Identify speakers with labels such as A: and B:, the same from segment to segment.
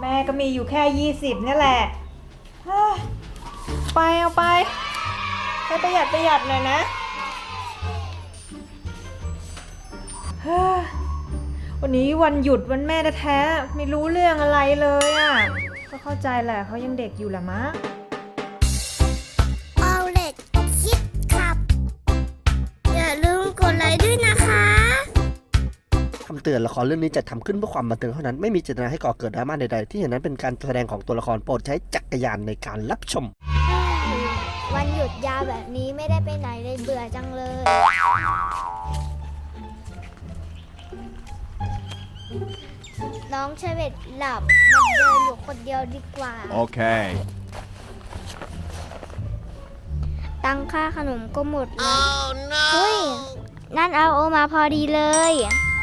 A: แม่ก็มีอยู่แค่20นี่แหละไปเอาไปให้ประหยัดหน่อยนะวันนี้วันหยุดวันแม่แท้ๆไม่รู้เรื่องอะไรเลยอ่ะก็เข้าใจแหละเขายังเด็กอยู่แหละมั้ง
B: เอาเล็กคิดขับอย่าลืมกดไลค์ด้วยนะคะ
C: คำเตือนละครเรื่องนี้จัดทำขึ้นเพื่อความบันเทิงเท่านั้นไม่มีเจตนาให้ก่อเกิดดราม่าใดๆที่เห็นนั้นเป็นการแสดงของตัวละครโปรดใช้จักรยานในการรับชม
B: วันหยุดยาวแบบนี้ไม่ได้ไปไหนเลยเบื่อจังเลยน้องเชเวตหลับมันเดินอยู่คนเดียวดีกว่า
D: โอเค
B: ตังค่าขนมก็หมดแล้วเฮ้ยนั่นเอาโอมาพอดีเลย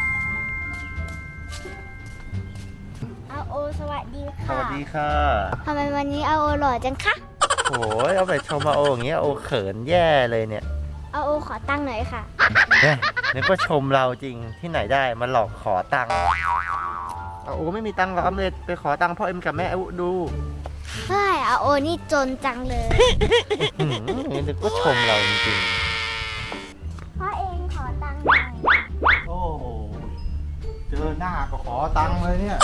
B: เอาโอสวัสดีค่ะ
E: สวัสดีค่ะ
B: ทำไมวันนี้เอาโอหล่อจังคะ
E: โอ้ยเอาไปชมมาโออย่างเงี้ยโอเขินแย่เลยเนี่ย
B: เอาโอขอตังค์หน่อยค่ะ
E: นึกว่าชมเราจริงที่ไหนได้มาหลอกขอตังค์เอาโอไม่มีตังค์หรอกอำเร็จไปขอตังค์พ่อเอ็มกับแม่ดู
B: เฮ้ยเอาโอนี่จนจังเลย
E: นึกว่าชมเราจริง
B: พ่อเองขอตังค์หน่อย
D: โอ้โหเจอหน้าก็ขอตังค์เลยเนี่ย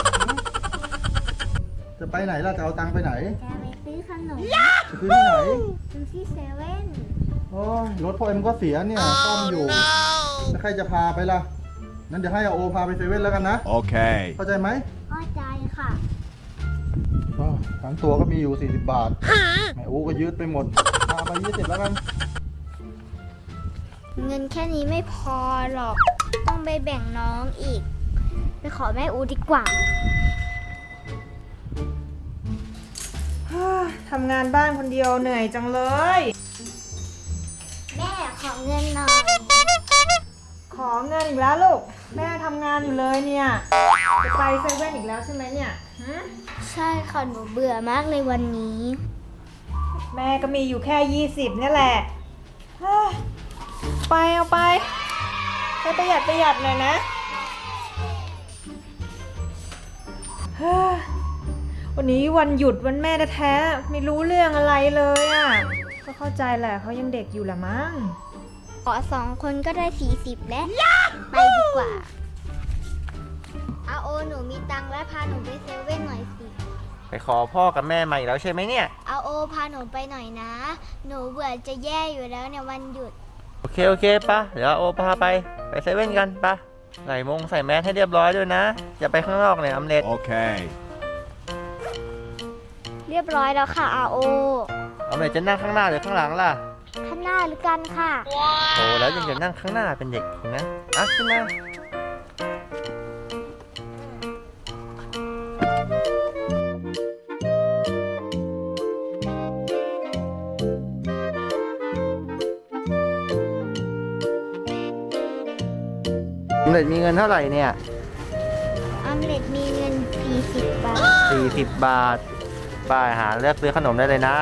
D: จะไปไหนล่ะจะเอาตังค์ไปไหน
B: จะไปซื้อขนม
D: จะซื้อที่ไหน
B: ซื้อที่เซเว่น
D: โอ้ยรถพ่อเอ็มก็เสียเนี่ยซ่อมอยู่แล้วใครจะพาไปล่ะนั้นเดี๋ยวให้อาโอพาไปเซเว่นแล้วกันนะ
E: โอเค
D: เข้าใจไหม
B: เข้าใจค่ะ
D: ทั้งตัวก็มีอยู่40 บาทแม่อูก็ยืดไปหมดพาไป20แล้วกัน
B: เงินแค่นี้ไม่พอหรอกต้องไปแบ่งน้องอีกไปขอแม่อูดีกว่า
A: ทำงานบ้านคนเดียวเหนื่อยจังเลย
B: แม่ขอเงินหน่อย
A: ขอเงินอีกแล้วลูกแม่ทำงานอยู่เลยเนี่ยจะไปเซเว่นอีกแล้วใช่ไหมเนี่ย
B: ใช่ค่ะหนูเบื่อมากเลยวันนี้
A: แม่ก็มีอยู่แค่20นี่แหละไปเอาไปให้ประหยัดหน่อยนะวันนี้วันหยุดวันแม่แท้ๆไม่รู้เรื่องอะไรเลยอ่ะก็เข้าใจแหละเขายังเด็กอยู่แหละมั้ง
B: ขอ2 คนก็ได้40แล้วไปดีกว่าอาโอหนูมีตังค์แล้วพาหนูไปเซเว่นหน่อยสิ
E: ไปขอพ่อกับแม่มาอีกแล้วใช่ไหมเนี่ย
B: อาโอพาหนูไปหน่อยนะหนูเบื่อจะแย่อยู่แล้วในวันหยุด
E: โอเคปะเดี๋ยวโอพาไปเซเว่นกันปะใส่แมสให้เรียบร้อยด้วยนะอย่าไปข้างนอกเนี่ยอำเร็จ
D: โอเค
B: เรียบร้อยแล้วค่ะอาโอ
E: อำเร็จจะนั่งข้างหน้าหรือข้างหลังล่ะ
B: ข้างหน้าหรือกันค่ะ
E: โอ้แล้วยังจะนั่งข้างหน้าเป็นเด็กอีกนะขึ้นมาอำเร็จมีเงินเท่าไหร่เนี่ย
B: อำเร็จมีเงิน40 บาท
E: 40 บาทป้ายหาเลือกซื้อขนมได้เลยนะ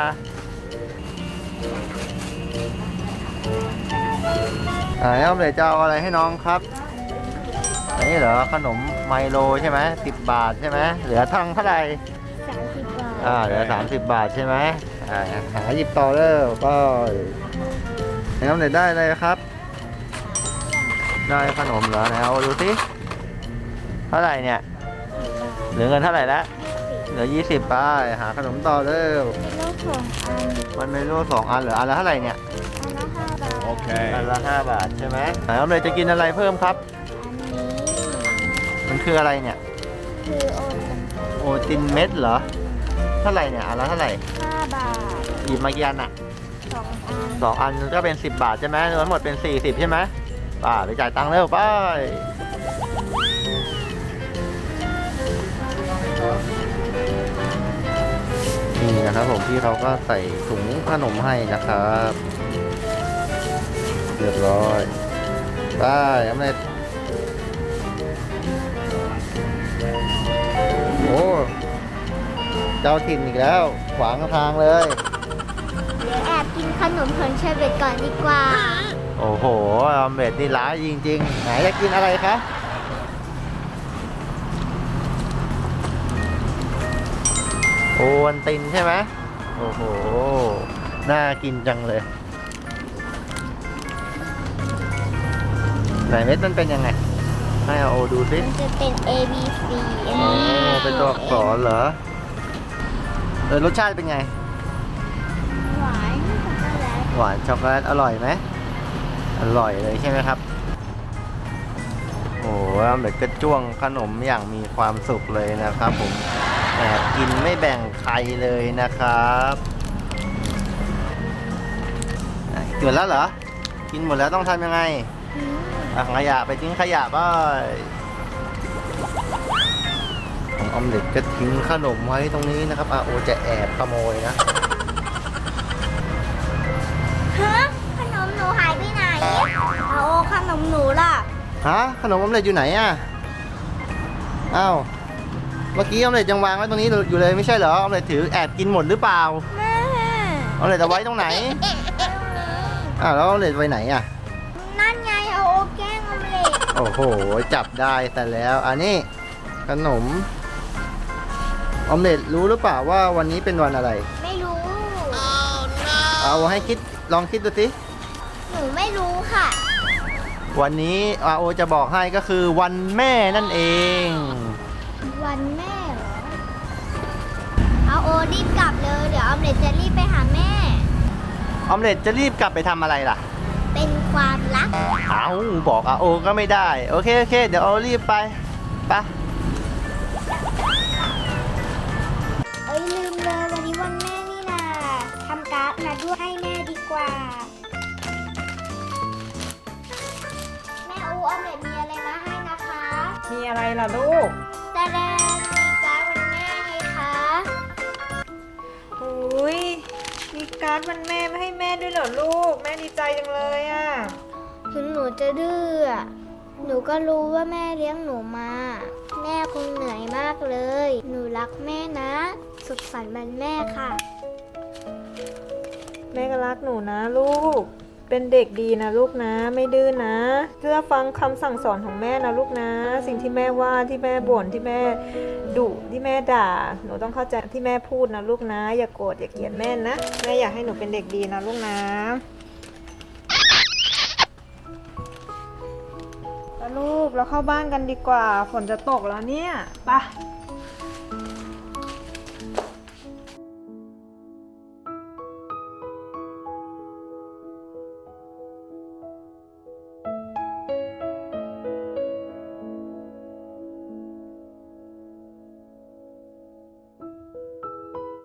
E: อำเร็จจะเอาอะไรให้น้องครับอันนี้เหรอขนมไมโลใช่ไหม10 บาทใช่ไหมเหลือทั้งเท่าไหร่
B: 30 บาท
E: เหลือ30 บาทใช่ไหมหาหยิบต่อเลยก็อำเร็จได้เลยครับได้ขนมเหรอไหนเอาดูสิเท่าไหร่เนี่ยเหลือเงินเท่าไหร่แล้วเหลือ20 บาทหาขนมต่อเร็วมันเมนู2 อันเหลืออันละเท่าไหร่เนี่ย
D: โอเค
E: อันละ5 บาทใช่ไหมอำเร็จจะกินอะไรเพิ่มครับมันคืออะไรเนี่ย
B: คือ
E: โอตินเม็ดเหรอเท่าไหร่เนี่ยอันละเท่าไหร่
B: 5 บาท
E: หยิบมากี่อันอ่ะ2 อันก็เป็น10 บาทใช่ไหมรวมหมดเป็น40ใช่ไหมไปจ่ายตังค์เร็วไปนี่นะครับผมพี่เขาก็ใส่ถุงขนมให้นะครับเรียบร้อยไปอำเร็จโอ้เจ้าถิ่นอีกแล้วขวางทางเลย
B: เดี๋ยวแอบกินขนมของเชเวตก่อนดีกว่า
E: โอ้โหอำเร็จนี่ร้ายจริงๆไหนจะกินอะไรคะวันตินใช่ไหมโอ้โหน่ากินจังเลยไหนเม็ดมันเป็นยังไงให้อาโอดูสิ
B: มันจะเป็น A B C อัน
E: โอ้
B: นี้
E: เป็นตัวอักษรเหรอรสชาติเป็นไง
B: หวานช็อกโกแลต
E: หวานช็อกโกแลตอร่อยไหมอร่อยเลยใช่ไหมครับโอ้โหเด็กก็จ้วงขนมอย่างมีความสุขเลยนะครับผมแอบกินไม่แบ่งใครเลยนะครับกินหมดแล้วเหรอกินหมดแล้วต้องทำยังไงถังขยะไปทิ้งขยะบ้างของออมเล็ตก็ทิ้งขนมไว้ตรงนี้นะครับอาโอจะแอบขโมยนะ
B: ฮะขนมหนูหายไปไหนเอาขนมหนูล่ะ
E: ฮะขนมออมเล็ตอยู่ไหนอ่ะอ้าวเมื่อกี้ออมเล็ตยังวางไว้ตรงนี้อยู่เลยไม่ใช่เหรอออมเล็ตถือแอบกินหมดหรือเปล่า
B: แม่
E: ออมเล็ตเอาไว้ตรงไหนอ้าวแล้วออมเล็ตไว้ไหนอ่ะ
B: นั่นไงเอาโอแกล้งออมเล็ต
E: โอ้โหจับได้แต่แล้วอันนี้ขนมออมเล็ตรู้หรือเปล่าว่าวันนี้เป็นวันอะไร
B: ไม่รู้
E: เอาให้คิดลองคิดดูสิ
B: หนูไม่รู้ค่ะ
E: วันนี้อาโอจะบอกให้ก็คือวันแม่นั่นเอง
B: วันแม่เหรอ เอาโอรีบกลับเลย เดี๋ยวออมเล็ตจะรีบไปหาแม่
E: ออมเล็ตจะรีบกลับไปทำอะไรล่ะ
B: เป็นความลับ
E: เอาบอกอาโอก็ไม่ได้โอเคโอเคเดี๋ยวเอารีบไปไป
B: เอ้ยลืมเลยวันนี้วันแม่นี่นาทำการ์ดมาด้วยให้แม่ดีกว่า แม่อูออมเล็ตมีอะไรมาให้นะคะ
A: มีอะไรล่ะลูก
B: แต่แดงมีการ์ดวันแม่ไงคะ
A: อุ้ยมีการ์ดวันแม่มาให้แม่ด้วยเหรอลูก แม่ดีใจจังเลยอ่ะ
B: ถึงหนูจะดื้ออะหนูก็รู้ว่าแม่เลี้ยงหนูมา แม่คงเหนื่อยมากเลย หนูรักแม่นะ สุขสันต์วันแม่ค่ะ
A: แม่ก็รักหนูนะลูก เป็นเด็กดีนะลูกนะ ไม่ดื้อนะเชื่อฟังคำสั่งสอนของแม่นะลูกนะ สิ่งที่แม่ว่าที่แม่บ่นที่แม่ดุที่แม่ด่า หนูต้องเข้าใจที่แม่พูดนะลูกนะ อย่าโกรธอย่าเกลียดแม่นะแม่อยากให้หนูเป็นเด็กดีนะลูกนะแล้วลูกเราเข้าบ้านกันดีกว่าฝนจะตกแล้วเนี่ยไป